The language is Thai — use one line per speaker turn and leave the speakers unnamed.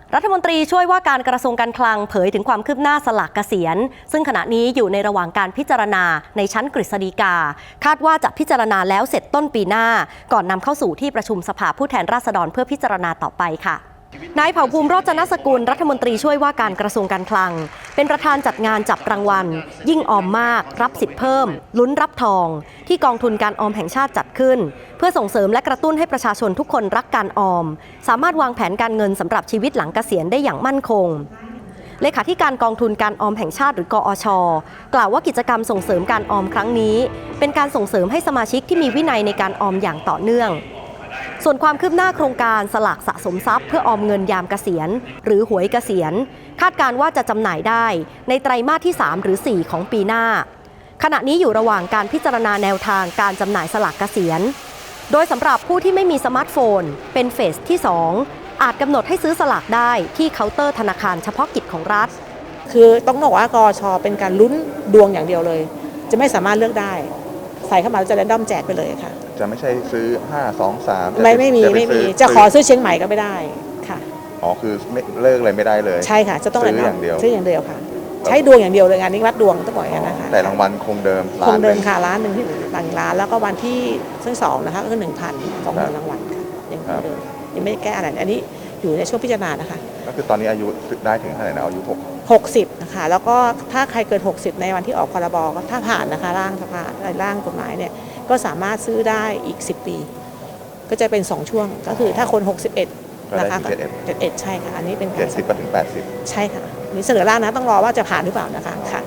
รัฐมนตรีช่วยว่าการกระทรวงการคลังเผยถึงความคืบหน้าสลากเกษียณซึ่งขณะนี้อยู่ในระหว่างการพิจารณาในชั้นกฤษฎีกาคาดว่าจะพิจารณาแล้วเสร็จต้นปีหน้าก่อนนำเข้าสู่ที่ประชุมสภาผู้แทนราษฎรเพื่อพิจารณาต่อไปค่ะนายเผ่าภูมิโรจนสกุลรัฐมนตรีช่วยว่าการกระทรวงการคลังเป็นประธานจัดงานจับรางวัลยิ่งออมมากรับสิทธิ์เพิ่มลุ้นรับทองที่กองทุนการออมแห่งชาติจัดขึ้นเพื่อส่งเสริมและกระตุ้นให้ประชาชนทุกคนรักการออมสามารถวางแผนการเงินสำหรับชีวิตหลังเกษียณได้อย่างมั่นคงเลขาธิการกองทุนการออมแห่งชาติหรือกอช.กล่าวว่ากิจกรรมส่งเสริมการออมครั้งนี้เป็นการส่งเสริมให้สมาชิกที่มีวินัยในการออมอย่างต่อเนื่องส่วนความคืบหน้าโครงการสลากสะสมทรัพย์เพื่อออมเงินยามเกษียณหรือหวยเกษียณคาดการณ์ว่าจะจำหน่ายได้ในไตรมาสที่3หรือ4ของปีหน้าขณะนี้อยู่ระหว่างการพิจารณาแนวทางการจำหน่ายสลากเกษียณโดยสำหรับผู้ที่ไม่มีสมาร์ทโฟนเป็นเฟสที่2อาจกำหนดให้ซื้อสลากได้ที่เคาน์เตอร์ธนาคารเฉพาะกิจของรัฐ
คือต้องบอกว่ากช.เป็นการลุ้นดวงอย่างเดียวเลยจะไม่สามารถเลือกได้ใส่เข้ามาแล้วจะแรนดอมแจกไปเลยค่ะ
จะไม่ใช่ซื้อ5 2 3
ไม่มีจะขอซื้อเชียงใหม่ก็ไม่ได้ค่ะ
อ๋อคือเลิกเลยไม่ได้เลย
ใช่ค่ะจะต้อง
ซื้ออย่างเดียว
ค่ะใช้ดวงอย่างเดียวเลยงานนี้วัดดวงต้องบอกอย่างนั้นนะคะ
แต่รางวัลคงเดิม
คงเดิมค่ะล้านหนึ่งที่1 ล้านแล้วก็วันที่2นะคะก็คือ 1,000 20,000 รางวัลค่ะยังเดิมยังไม่ได้แก้อะไรอันนี้อยู่ในช่วงพิจารณานะคะ
ก็คือตอนนี้อายุได้ถึงเท่าไหร่นะอายุ
60นะคะแล้วก็ถ้าใครเกิน60ในวันที่ออกพรบก็ถ้าผ่านนะคะร่างสภาร่างกฎหมายเนี่ยก็สามารถซื้อได้อีก10 ปีก็จะเป็น2ช่วงก็คือถ้าคน61นะคะ71ใช่ค่ะอันนี้เป็น
70 ก็ถึง80
ใช่ค่ะนี่เสนอร่างนะต้องรอว่าจะผ่านหรือเปล่านะคะค่ะ